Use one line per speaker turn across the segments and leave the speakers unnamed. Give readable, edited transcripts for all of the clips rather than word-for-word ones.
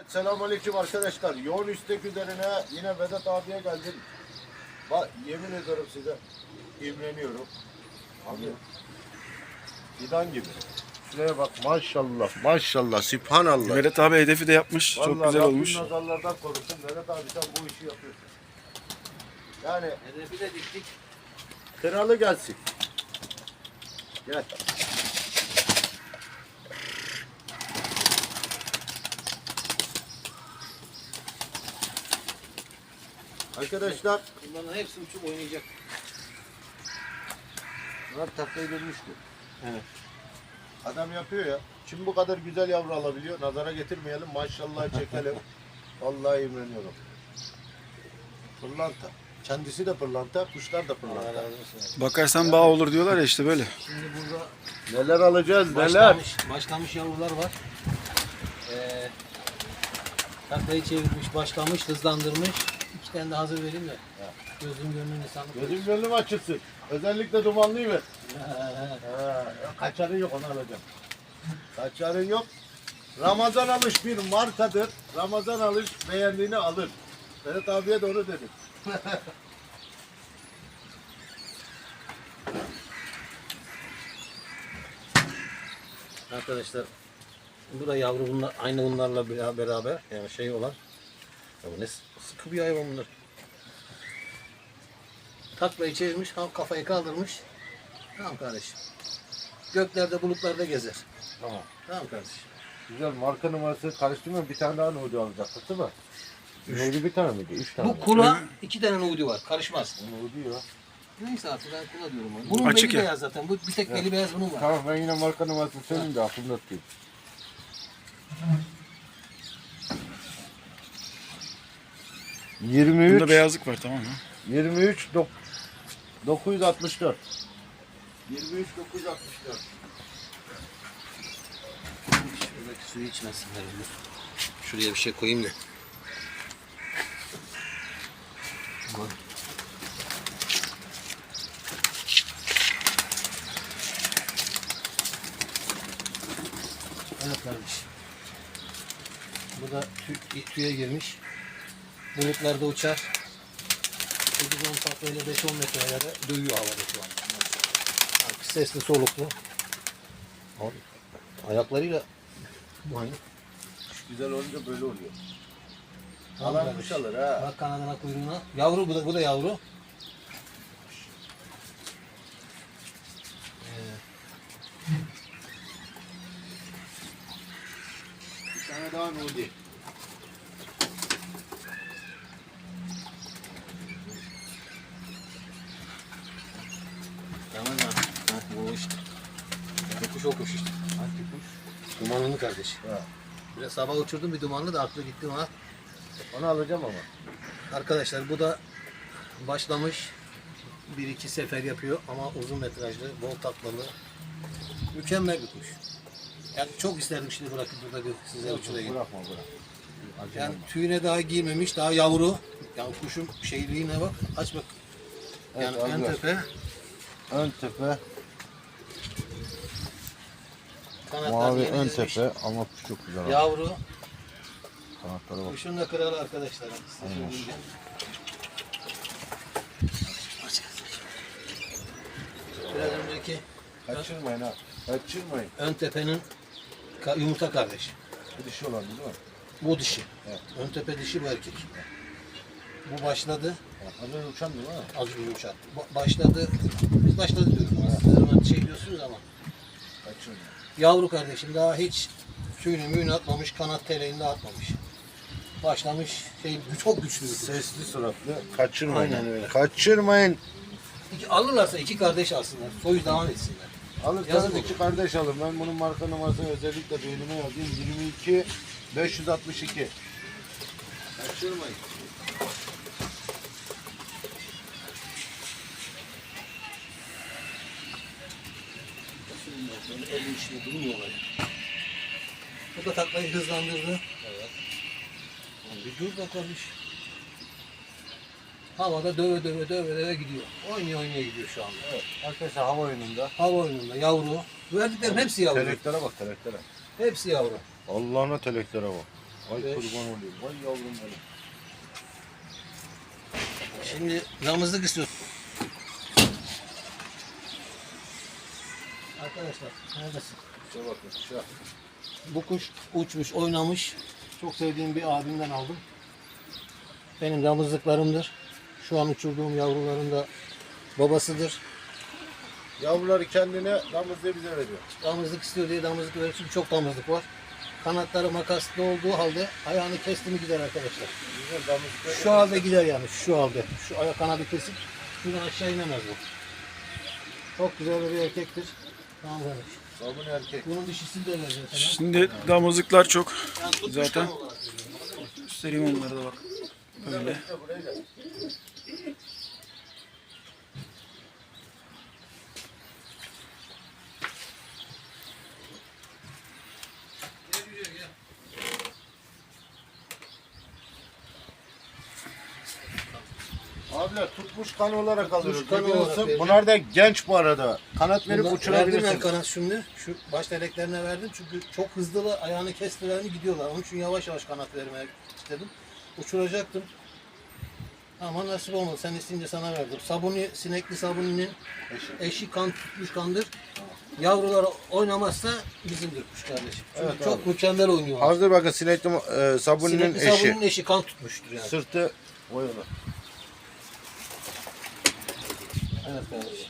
Selamünaleyküm arkadaşlar. Yoğun istek üzerine yine Vedat abiye geldim. Bak yemin ederim size imreniyorum. Abi fidan gibi. Şuraya bak maşallah maşallah sübhanallah.
Vedat abi hedefi de yapmış.
Vallahi
Çok güzel
Rabbim
olmuş.
nazarlardan korusun. Vedat abi sen bu işi yapıyorsun. Yani
Hedefi de diktik.
kralı gelsin. Gel. Arkadaşlar
Bunların hepsi uçup oynayacak.
bunlar taklaya dönmüştü.
Evet.
Adam yapıyor ya. Şimdi bu kadar güzel yavru alabiliyor. Nazara getirmeyelim. Maşallah çekelim. Vallahi imreniyorum. Pırlanta. Kendisi de pırlanta, kuşlar da
Allah
pırlanta.
razı olsun.
Bakarsan bağ olur diyorlar ya işte böyle.
Şimdi burada
Neler alacağız, neler?
başlamış yavrular var. Taklayı çevirmiş, başlamış, hızlandırmış. İki tane de hazır vereyim de. Gözüm gönlüm insanlık.
Gözüm gönlüm açılsın. Özellikle dumanlıyı ver. Kaçarın yok, onu alacağım. Kaçarın yok. Ramazan alış bir markadır. Ramazan alış beğendiğini alır. Vedat abiye de onu dedim.
Arkadaşlar bu da yavru bunlar, aynı bunlarla beraber yani şey olan. Ya bu ne sıkı bir hayvan bunlar. Taklayı çevirmiş, kafayı kaldırmış. Tamam kardeşim. Göklerde bulutlarda gezer.
Tamam.
Tamam kardeşim.
Güzel marka numarası karıştırmıyor. Bir tane daha Nudi alacaktık değil mi? Nudi bir tane miydi? 3 tane.
Bu kula iki tane nudi var. Karışmaz.
Nudi ya.
Neyse artık ben kula diyorum. Onu. Bunun
Açık
beli
ya.
beyaz zaten. Bu bir tek beli beyaz bunun var.
Tamam ben yine marka numarasını söyleyeyim de aklımda tutayım.
Bunda
23
beyazlık var, tamam mı?
23 964. 23 964.
Şuradaki suyu içmesinler. Şuraya bir şey koyayım da. Aman. Evet kardeş. Bu da tüye girmiş. Bulutlarda uçar. 8-10 taklayla 5-10 metrelere dövüyor havada şu an. Sesli soluklu. Abi, ayaklarıyla
Kuş güzel olunca böyle oluyor.
Tamam
Alan
kardeş.
kuş alır ha.
Bak kanadına kuyruğuna. Yavru bu da yavru.
Bir tane daha Nudi.
Tamam ya. Bu işte. Bu kuş o kuş işte.
Hangi kuş?
Dumanlı kardeş.
Ha.
Biraz sabah uçurdum bir dumanlı da aklı gitti ona.
Onu alacağım ama.
Arkadaşlar bu da başlamış. 1-2 sefer yapıyor ama uzun metrajlı, bol taklalı. Mükemmel bir kuş. Yani çok isterdim şimdi bırakıp burada bir size uçurayım.
Bırakma bırak.
Yani tüyüne daha girmemiş, daha yavru. Yani kuşun şeyliğine bak, aç bak. Yani
Evet,
en
abi.
tepe,
Ön tepe,
kanatlar
mavi
yeni
ön
dizmiş.
tepe ama kuş çok güzel. Abi.
Yavru,
Kanatlara bak.
kuşun da kralı arkadaşlar. Size söyleyeyim. Biraz önceki
Kaçırmayın ha. Kaçırmayın.
ön tepenin yumurta kardeşi.
Bu dişi olan değil mi?
Bu dişi.
Evet.
Ön tepe dişi, bu erkek. Bu başladı.
Az önce uçan değil mi?
Az önce uçan. Başladı. Biz başladı diyoruz. Her zaman şey diyorsunuz ama.
Kaçırmayın.
Yavru kardeşim daha hiç tüyünü müyünü atmamış. Kanat teleğini de atmamış. Başlamış. Çok güçlü bir kuş.
Sesli suratlı. Kaçırmayın.
Aynen öyle.
Kaçırmayın.
Alırlarsa iki kardeş alsınlar. Soyu devam etsinler.
Alırsanız
Yazık
iki
olur.
kardeş alın. Ben bunun marka numarasını özellikle beynime yazayım. 22 562. Kaçırmayın.
Böyle el işine durmuyorlar. Bu da taklayı hızlandırdı. Evet. Bir dur bakalım iş. Havada döve gidiyor. Oynaya gidiyor şu anda.
Evet. Arkadaşlar hava oyununda.
Hava oyununda yavru. Verdiklerim hepsi yavru.
Teleklere bak teleklere.
Hepsi yavru.
Allah'ına teleklere bak. Vay
Beş.
kurban olayım. Vay yavrum benim.
Şimdi damızlık istiyoruz. Arkadaşlar neredesin?
Şuna bakın. Şu.
Bu kuş uçmuş, oynamış. Çok sevdiğim bir abimden aldım. Benim damızlıklarımdır. Şu an uçurduğum yavruların da babasıdır.
Yavruları kendine damızlığı bize veriyor.
Damızlık istiyor diye damızlık veriyor. Çünkü çok damızlık var. Kanatları makaslı olduğu halde ayağını kesti mi gider arkadaşlar.
Güzel damızlıklar.
Şu halde gider yani, şu halde. Şu ayak kanadı kesip şuradan aşağı inemez bu. Çok güzel bir erkektir. Tamam kardeş.
Sabun erkek.
Bunun dişisini de vereceğim sana.
Şimdi damızlıklar çok.
Yani tutmuş
Zaten
tam olarak veriyorum.
göstereyim onları da bak. Böyle.
Buraya gel. Abiler tutmuş kan olarak alıyoruz.
Tutmuş kan
Biliyorsun,
olarak veriyor.
bunlar da genç bu arada. Kanat verip
Verdim
uçurabilirsiniz.
ben kanat şimdi. Şu baş teleklerine verdim çünkü çok hızlı ayağını kestiler mi gidiyorlar. Onun için yavaş yavaş kanat vermeye istedim. Uçuracaktım. Ama nasip olmadı. Sen isteyince sana verdim. Sabuni, sinekli sabuninin eşi kan tutmuş kandır. Yavrular oynamazsa bizimdir kuş kardeşim. Çünkü
Evet
çok
abi.
mükemmel oynuyorlar.
Hazır bakın sinekli sabuninin
Sinekli
eşi.
sabuninin eşi kan tutmuştur yani.
Sırtı boyalı.
Evet kardeşim.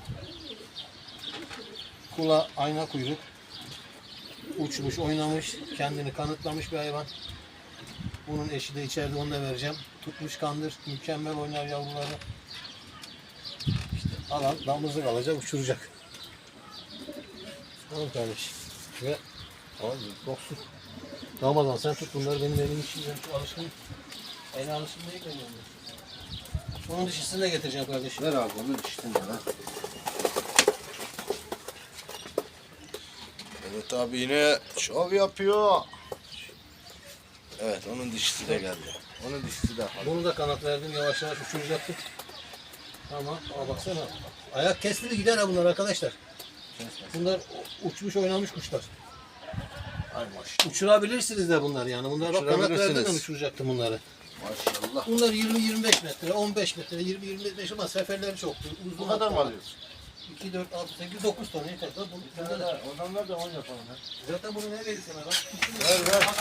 Kula ayna kuyruk. Uçmuş, oynamış, kendini kanıtlamış bir hayvan. Bunun eşi de içeride, onu da vereceğim. Tutmuş kandır, mükemmel oynar yavruları. İşte alan damızlık alacak, uçuracak. Tamam kardeşim. Ve abi yoksun. Ramazan sen tut bunları benim elim için. Ben şu alışkın. El alışkın değil mi? Onun dişisini de getireceğim kardeşim.
Ver abi onu diştin ya. Evet abi yine şov yapıyor. Evet onun dişisi de geldi. Onun dişisi de.
Bunu da kanat verdim, yavaş yavaş uçuracaktım. Tamam, baksana. Ayak kestiri gider ha bunlar arkadaşlar. Bunlar uçmuş oynamış kuşlar.
Ay maşallah.
Uçurabilirsiniz de bunlar yani. Bunlar bak kanat
Uçurabilirsiniz.
verdim ben uçuracaktım bunları.
Maşallah.
Bunlar 20-25 metre, 15 metre, 20-25 ama seferleri çoktu. Uzun
Bu kadar mı
hatta.
alıyorsun?
2, 4, 6, 8, 9 tane yeter. Bak bunu bunda da.
Adamlar da 10 yapalım.
Zaten bunu nereye gitsene bak.
Ver ver.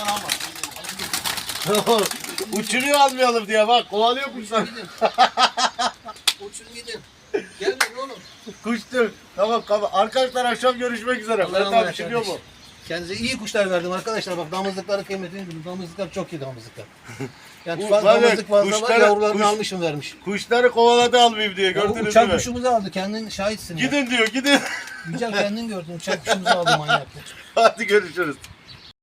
Uçuruyor almayalım diye bak kovalıyor kuşlar.
Gidin. Uçun gidin. Gelmeyin oğlum.
Kuştur. Tamam tamam. Arkadaşlar akşam görüşmek üzere.
Allah'a
Ben
emanet
abi uçuruyor mu?
kardeşim. Kendinize iyi kuşlar verdim arkadaşlar. Bak damızlıkları kıymetini bilin. Damızlıklar çok iyi damızlıklar. Yani
Bu
fazla
var ya,
damızlık fazla var.
kuşları-
Yavrularını
kuş-
almışım vermiş.
Kuşları kovaladı almayayım diye
Ya bu
gördünüz
uçak
mü?
kuşumuzu aldı. Kendin şahitsin ya.
Gidin diyor gidin.
Güzel kendin gördün. Uçak kuşumuzu aldı manyak.
Hadi görüşürüz.